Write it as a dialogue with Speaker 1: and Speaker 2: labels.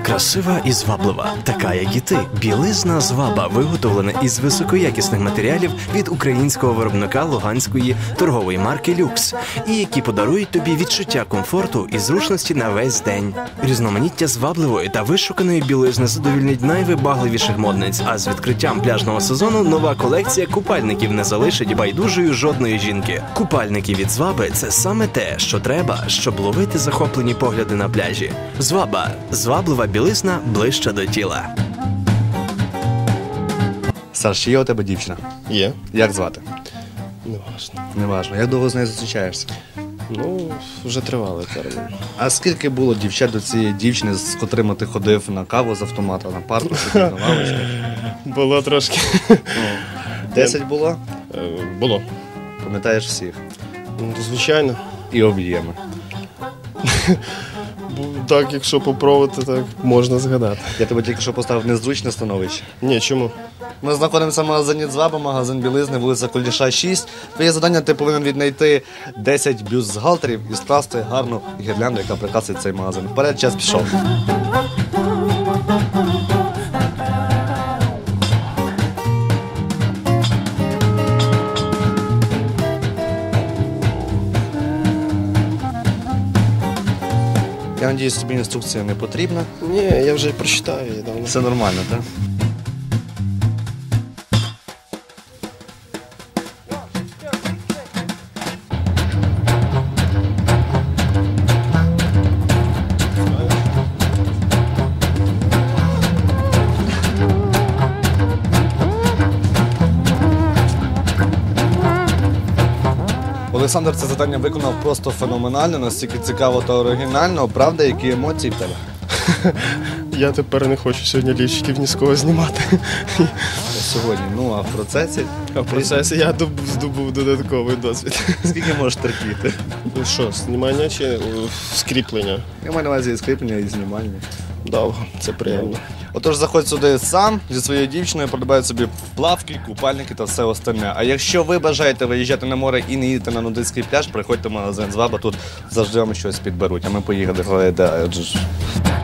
Speaker 1: Красива і зваблива, така як і ти. Білизна «Зваба» виготовлена із високоякісних матеріалів від українського виробника луганської торгової марки «Люкс», і які подарують тобі відчуття комфорту і зручності на весь день. Різноманіття звабливої та вишуканої білизни задовільнить найвибагливіших модниць, а з відкриттям пляжного сезону нова колекція купальників не залишить байдужою жодної жінки. Купальники від «Зваби» – це саме те, що треба, щоб ловити захоплені погляди на пляжі. «Зваба» – зваблива білизна ближче до тіла.
Speaker 2: Саш, чи є у тебе дівчина?
Speaker 3: Є.
Speaker 2: Як звати?
Speaker 3: Неважно.
Speaker 2: Неважно. Як довго з нею зустрічаєшся?
Speaker 3: Ну, вже тривалий термін.
Speaker 2: А скільки було дівчат до цієї дівчини, з котрими ти ходив на каву з автомата, на парку, сидів на лавочках?
Speaker 3: Було трошки.
Speaker 2: 10 було?
Speaker 3: Було.
Speaker 2: Пам'ятаєш всіх?
Speaker 3: Ну, звичайно.
Speaker 2: І об'єми.
Speaker 3: Так, якщо попробувати, так можна згадати.
Speaker 2: Я тебе тільки що поставив в незручне становище.
Speaker 3: Ні, чому?
Speaker 2: Ми знаходимося в магазині «Зваба», магазин білизни, вулиця Куліша, 6. Твоє завдання – ти повинен віднайти 10 бюстгальтерів і скласти гарну гірлянду, яка прикрасить цей магазин. Вперед, час пішов. Я сподіваюся, тобі інструкція не потрібна.
Speaker 3: Ні, я вже прочитав її давно.
Speaker 2: Все нормально, так? Олександр це завдання виконав просто феноменально, настільки цікаво та оригінально. Правда, які емоції в тебе?
Speaker 3: Я тепер не хочу сьогодні лічиків ні з кого знімати.
Speaker 2: Сьогодні, ну а в процесі?
Speaker 3: А в процесі я здобув додатковий досвід.
Speaker 2: Скільки можеш терпіти?
Speaker 3: Ну що, знімання чи скріплення?
Speaker 2: Я маю на увазі і скріплення, і знімання.
Speaker 3: Довго, це приємно.
Speaker 2: Отож, заходь сюди сам зі своєю дівчиною, придбай собі плавки, купальники та все остальне. А якщо ви бажаєте виїжджати на море і не їдете на нудистський пляж, приходьте в магазин «Зваба», тут завжди вам щось підберуть. А ми поїхали.